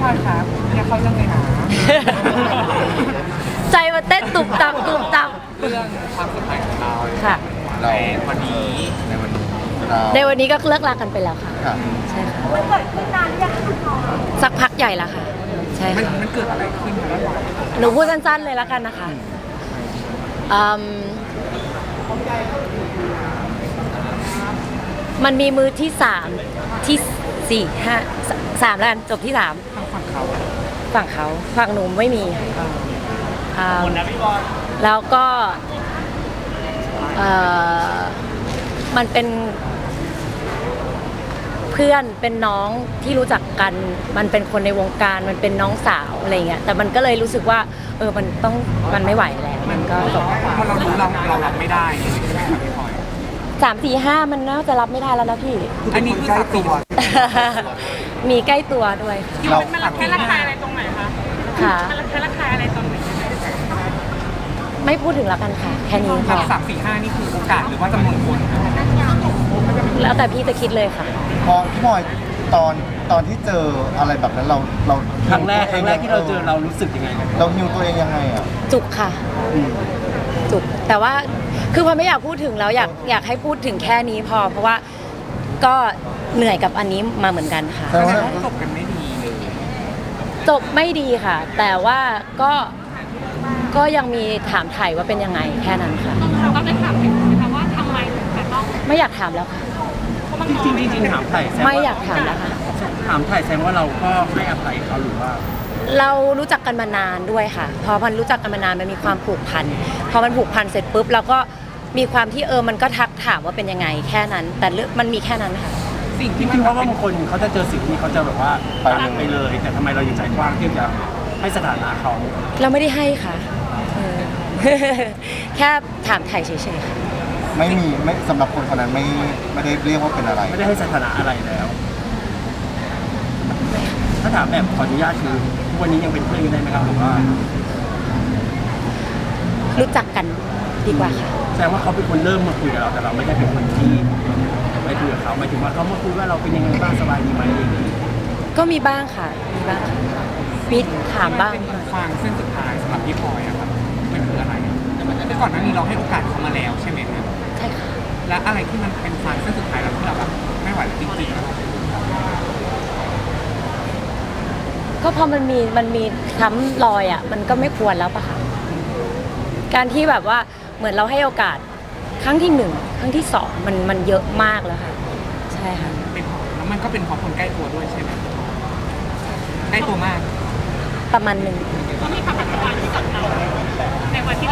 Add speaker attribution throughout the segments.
Speaker 1: อยครับเนี่ยเขาเรื่องเลยนะ
Speaker 2: ใจมันเต้นตุบตับตุบตับ
Speaker 1: เรื่องความสัมพันธ์ของเรา
Speaker 2: ค่ะ
Speaker 1: ในวันนี้ในวันนี้
Speaker 2: ในวันนี้ก็เลิกลากันไปแล้วค่ะ
Speaker 3: ค่ะ
Speaker 2: ใช่ค่ะมันเกิดขึ้นนานหรือยังสักพักใหญ่แล้วค่ะใช่
Speaker 1: มัน
Speaker 2: ค่ะ
Speaker 1: มันเกิดอะไรขึ้นคะแล้ว
Speaker 2: หนูพูดสั้นๆเลยแล้วกันนะคะมันมีมือที่สามที่สี่ห้าสามแล้วกันจบที่สาม
Speaker 1: ทางฝั่งเขา
Speaker 2: ฝั่งเขาฝั่งหนูไม่มีแล้วก็มันเป็นเพื่อนเป็นน้องที่รู้จักกันมันเป็นคนในวงการมันเป็นน้องสาวอะไรเงี้ยแต่มันก็เลยรู้สึกว่ามันไม่ไหวแล้วมันก็จบ
Speaker 1: พอเรารู้เรารับไม่ได้ใช่ไหมครับพี่พลอย
Speaker 2: 3 4 5มันน่าจะรับไม่ได้แล้วนะพี่
Speaker 1: อันนี้คือ3 ตัว
Speaker 2: มีใกล้ตัวด้วยค่ะ
Speaker 1: เรา
Speaker 4: มันระแคะระคายอะไรตรงไหนคะ
Speaker 2: ค่ะ
Speaker 4: มันระแคะระคายอะไรตรงไหน
Speaker 2: ไม่พูดถึงแล้วกันค่ะแค่นี้พ
Speaker 1: ครั
Speaker 2: อบ
Speaker 1: 3 4 5นี่คือโอกาสหรือว่าจำนวนคน
Speaker 2: แล้วแต่พี่จะคิดเลยค่ะ
Speaker 3: พอพี่พลอยตอนที่เจออะไรแบบนั้นเรา
Speaker 5: ครั้งแรกที่เราเจอเรารู้สึกยังไง
Speaker 3: เราฮิวตัวเองยังไงอ่ะ
Speaker 2: จุกค่ะจุกแต่ว่าคือพอไม่อยากพูดถึงแล้วอยากให้พูดถึงแค่นี้พอ เพราะว่าก็เหนื่อยกับอันนี้มาเหมือนกันค่ะ
Speaker 3: แต่ว่า
Speaker 1: จบกันไม่ดีเลย
Speaker 2: จบไม่ดีค่ะ แต่ว่าก็ยังมีถามถ่ายว่าเป็นยังไงแค่นั้นค่ะ
Speaker 4: ต้องได้ถามถึงนะคะว่าทำไมถึงจะต้อง
Speaker 2: ไม่อยากถามแล้วค่ะ
Speaker 5: จริงๆถามไถ่แซม
Speaker 2: ไม่อยากถามแล้วค่ะ
Speaker 5: ถามไถ่แซมว่าเราก็ให้อภัยเขาหรือว่า
Speaker 2: เรารู้จักกันมานานด้วยค่ะ พอมันรู้จักกันมานานมันมีความผูกพันพอมันผูกพันเสร็จปุ๊บเราก็มีความที่มันก็ทักถามว่าเป็นยังไงแค่นั้น แต่เรื่องมันมีแค่นั้นค่ะ
Speaker 1: สิ่ง
Speaker 5: จ
Speaker 1: ที่
Speaker 5: ริงๆเพราะว่าบางคนเขาจะเจอสิ่งที่เขาจะแบบว่า
Speaker 3: ไปเลย
Speaker 5: ตัดไปเลย แต่ทำไมเราอยู่ใจกว้างที่จะให้สถานะเขา
Speaker 2: เราไม่ได้ให้ค่ะเออ แค่ถามไถ่เฉยๆค่ะ
Speaker 3: ไม่สำหรับคนคนนั้นไม่ได้เรียกว่าเป็นอะไร
Speaker 5: ไม่ได้ให้สถานะอะไรแล้ว ถ้าถามแบบขออนุญาตคือทุกวันนี้ยังเป็นเพื่อนกันได้ไหมครับหรือว่า
Speaker 2: รู้จักกันดีกว่าค่ะ
Speaker 5: แสดงว่าเขาเป็นคนเริ่มมาคุยกับเราแต่เราไม่ได้เป็นคนที่ไปคุยกับเขาหมายถึงว่าเขามาคุยว่าเราเป็นยังไงบ้างสบายดีไหมอะไรอย่างนี้
Speaker 2: ก็มีบ้างค่ะมีบ้างค่ะมีถามบ้าง
Speaker 1: เป็นฟางเส้นสุดท้ายสำหรับพี่พลอยอะครับมันคืออะไรคือก่อนหน้านี้เราให้โอกาสเขามาแล้วใช่ไหมครับ
Speaker 2: ใช่ค่ะ
Speaker 1: และอะไรที่มันเป็นฟางเส้นสุดท้ายแล้วที่เราแบบไม่ไหวแล้วจริงๆอะ
Speaker 2: ก็พอมันมีช้ำรอยอ่ะมันก็ไม่ควรแล้วปะคะการที่แบบว่าเหมือนเราให้โอกาสครั้งที่ 1 ครั้งที่ 2มันเยอะมากแล้วค่ะใช่ค่ะ
Speaker 1: เป็นเพราะแล้วมันก็เป็นเพราะคนใกล้ตัวด้วยใช่ไหมใกล้ตัวมาก
Speaker 2: ประมาณหนึ่ง
Speaker 4: เขามีคำอธิบายที่กับเราในวันที่เรา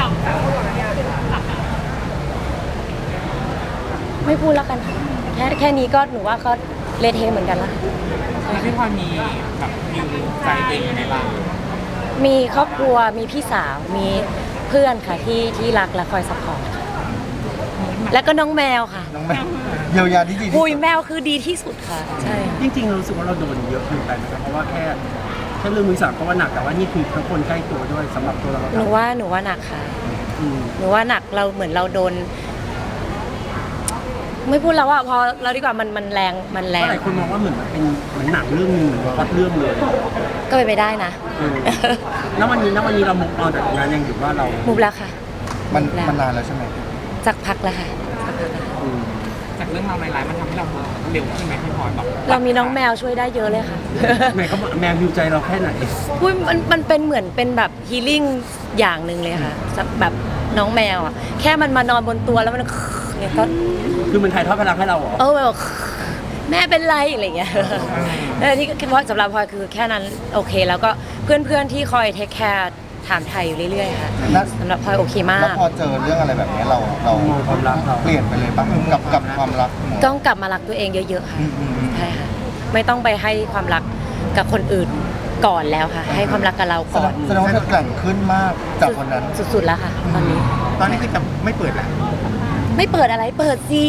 Speaker 2: ไม่พูดแล้วกันค่ะแค่นี้ก็หนูว่าก็เละเทะเหมือนกันละ
Speaker 1: แล้วพี่พลอยมีแบบฮิวใจตัวเองยังไงบ้าง
Speaker 2: มีครอบครัวมีพี่สาวมีเพื่อนค่ะที่รักและคอยซัพพอร์ตค่ะแล้วก็น้องแมวค่ะ
Speaker 3: น้องแม่เยียวยาที่ดีที่
Speaker 2: คุย
Speaker 3: สุด
Speaker 2: แมวคือดีที่สุดค่ะใช่
Speaker 5: จริงๆเรารู้สึกว่าเราโดนเยอะเกินไปนะครับเพราะว่าแค่เรื่องมือสามก็ว่าหนักแต่ว่านี่คือทั้งคนใกล้ตัวด้วยสำหรับตัวเรา
Speaker 2: หนูว่าหนักค่ะ
Speaker 5: อืม
Speaker 2: หนูว่าหนักเราเหมือนเราโดน ไม่พูดแล้วว่าพอเราดีกว่ามันแรง
Speaker 5: เพราะหลายคนมองว่าเหมือนเป็นหนังเรื่องนึงเหมือนวัดเรื่องเลย
Speaker 2: ก็เป็นไปได้นะ
Speaker 5: แล้ววันนี้เรามุกออนจากตรงนั้นยังอยู่ว่าเรา
Speaker 2: มุบแล้วค่ะ
Speaker 3: มัน
Speaker 2: แล้ว
Speaker 3: นานแล้วใช่ไหม
Speaker 2: สักพักแล้วค่ะ
Speaker 5: อืม
Speaker 1: จากเรื่องราวร้ายๆมันทำให้เราเร็วขึ้นไหมพี่พลอยแบบ
Speaker 2: เรามีน้องแมวช่วยได้เยอะเลยค่ะ
Speaker 5: แม่เขาแมวฮิวใจเราแค่ไหน
Speaker 2: อุ้ยมันเป็นเหมือนเป็นแบบฮีลิ่งอย่างหนึ่งเลยค่ะแบบน้องแมวอ่ะแค่มันมานอนบนตัวแล้วมันเนี่ยก็
Speaker 5: คือมันถ่ายทอดพลังให้เราเหรอ
Speaker 2: แบบแม่เป็นไรอะไรเงี้ยนี่เพราะสำหรับพลอยคือแค่นั้นโอเค แล้วก็เพื่อนๆที่คอยเทคแคร์ถามไทยอยู่เรื่อยๆค่ะสำหรับพลอยโอเคมา
Speaker 3: แล้ว
Speaker 2: ก
Speaker 3: พอเจอเรื่องอะไรแบบนี้เรา
Speaker 5: มองความรักเรา
Speaker 3: เปลี่ยนไปเลยปะกับความรัก
Speaker 2: ต้องกลับมารักตัวเองเยอะๆค่ะ
Speaker 3: อืม
Speaker 2: ใช่ค่ะไม่ต้องไปให้ความรักกับคนอื่นก่อนแล้วค่ะ ให้ความรักกับเราก่อน
Speaker 3: แสดงว่าเธอแกร่งขึ้นมากจากวันนั้น
Speaker 2: สุดๆแล้วค่ะ ตอนนี้
Speaker 3: ตอนนี้คือจะไม่เปิดแล้ว
Speaker 2: ไม่เปิดอะไรเปิดสิ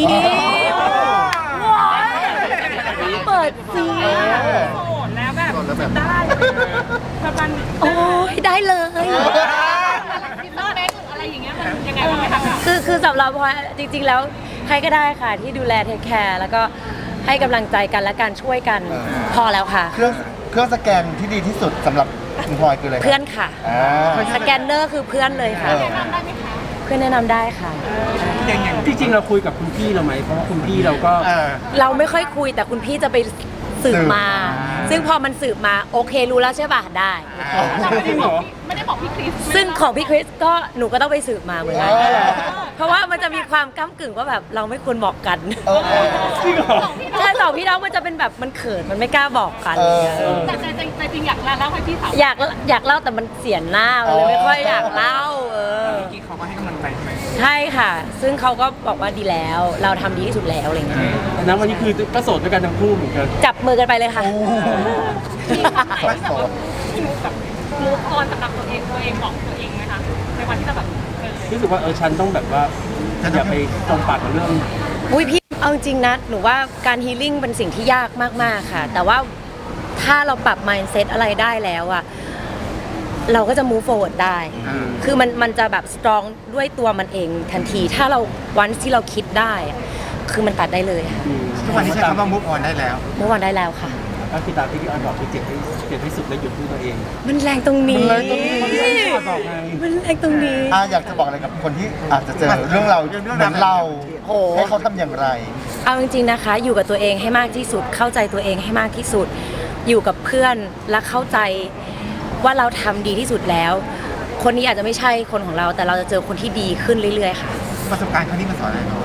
Speaker 2: เปิดสิ
Speaker 4: โสดแล้วแบบได้ประมาณ
Speaker 2: โอ้ยได้เลย
Speaker 4: คิดว่าได้อะไรอย่างเงี้ยมันยังไงบ้างไหมคะ
Speaker 2: คือสำหรับพลอยจริงๆแล้วใครก็ได้ค่ะที่ดูแลเทคแคร์แล้วก็ให้กำลังใจกันและการช่วยกันพอแล้วค่ะ
Speaker 3: เครื่องเครื่องสแกนที่ดีที่สุดสำหรับคุณพลอยคืออะไรครับ
Speaker 2: เพื่อนค่ะ
Speaker 3: อ่า
Speaker 2: สแกนเนอร์คือเพื่อนเลยค่ะ
Speaker 3: เออ
Speaker 2: เพื่อนแนะนำได้ค่ะ
Speaker 1: อย่าง
Speaker 5: ที่จริงเราคุยกับคุณพี่เราไหมเพราะว่าคุณพี่เราก็
Speaker 2: เราไม่ค่อยคุยแต่คุณพี่จะไปสืบมา ซึ่งพอมันสืบมาโอเครู้แล้วใช่ป่ะได้
Speaker 5: จริงเหรอ
Speaker 4: ไม่ได้บอกพี่คริส
Speaker 2: ซึ่งของพี่คริสก็หนูก็ต้องไปสืบมาเหมือนกัน
Speaker 3: อ๋อเหรอ
Speaker 2: เพราะว่ามันจะมีความก้ากึ่งว่าแบบเราไม่ควรบอกกัน
Speaker 3: เออ
Speaker 5: จริงเหรอ
Speaker 2: ใช่สองพี่น้องมันจะเป็นแบบมันเขินมันไม่กล้าบอกกัน
Speaker 3: เออ
Speaker 4: แต่ใจจริงอยากเล่าให้พี่สาว
Speaker 2: อยากเล่าแต่มันเสียหน้ามันเลยไม่ค่อยอยากเล่า
Speaker 1: เมื่อกี้เขาก็ให้กำลังใจใช่ไหม
Speaker 2: ใช่ค่ะ ซึ่งเขาก็บอกว่าดีแล้ว เราทำดีที่สุดแล้วอะไรเงี้ย
Speaker 5: แต่นั้นวันนี้คือก็โสดด้วยกันทั้งคู่เหมือนกัน
Speaker 2: จับมือกันไปเลยค่ะ
Speaker 4: มีวันไหนที่แบบว่าพี่นุ๊กแบบมูฟออนสำหรับตัวเองบอกตัวเองไหมคะในวันที่เราแบบ
Speaker 5: รู้สึกว่าฉันต้องแบบว่าอย่าไปจมปากกับเรื่อง
Speaker 2: อุ้ยพี่เอาจริงนะหนูว่าการฮีลิ่งเป็นสิ่งที่ยากมากๆค่ะ แต่ว่าถ้าเราปรับ mindset อะไรได้แล้วอะเราก็จะ move forward ได้ คือมันจะแบบ strong ด้วยตัวมันเองทันที ถ้าเราวันที่เราคิดได้อะคือมันตัดได้เลยค่ะ
Speaker 3: ทุกวันนี้ใช้คำว่ามุกออนได้แล้ว
Speaker 2: move on ได้แล้วค่ะ
Speaker 5: ก็คือตามที่พี่ออนบอกคือเจ็บให้สุดและหยุดด้วยตัวเอง
Speaker 2: มันแรงตรงนี้
Speaker 3: มันแรงตรงนี้
Speaker 5: บอกไง
Speaker 2: มันแรงตรงนี้
Speaker 3: อยากจะบอกอะไรกับคนที่อาจจะเจอเรื่องเราเหมือนเรา
Speaker 2: โอ้
Speaker 3: ให้เขาทำอย่างไร
Speaker 2: เอาจริงๆนะคะ อยู่กับตัวเองให้มากที่สุด เข้าใจตัวเองให้มากที่สุด อยู่กับเพื่อนและเข้าใจว่าเราทำดีที่สุดแล้ว คนนี้อาจจะไม่ใช่คนของเรา แต่เราจะเจอคนที่ดีขึ้นเรื่อยๆค่ะ
Speaker 3: ประสบการณ์ครั้งนี้มันสอนอะไรเรา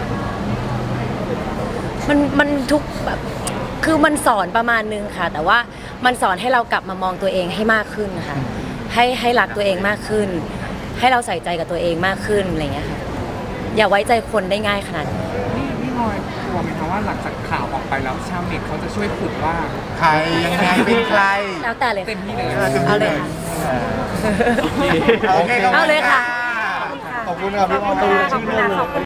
Speaker 2: มันทุกแบบคือมันสอนประมาณนึงค่ะ แต่ว่ามันสอนให้เรากลับมามองตัวเองให้มากขึ้นค่ะให้รักตัวเองมากขึ้น ให้เราใส่ใจกับตัวเองมากขึ้นอะไรอย่างเงี้ยค่ะอย่าไว้ใจคนได้ง่ายขนาดนี้
Speaker 1: พี่พลอยกลัวไหมคะว่าหลังจากข่าวออกไปแล้วชาวเน็ตเขาจะช่วยขุดว่า
Speaker 3: ใครยังไงเป็นใคร
Speaker 2: แล้วแต่เลย
Speaker 1: เต็มที่เลย
Speaker 2: เอาเลยค่ะ
Speaker 3: โอเค
Speaker 2: เอาเลยค่ะ
Speaker 3: ขอบคุณครับพี่พลอย
Speaker 2: ขอบคุณค่ะ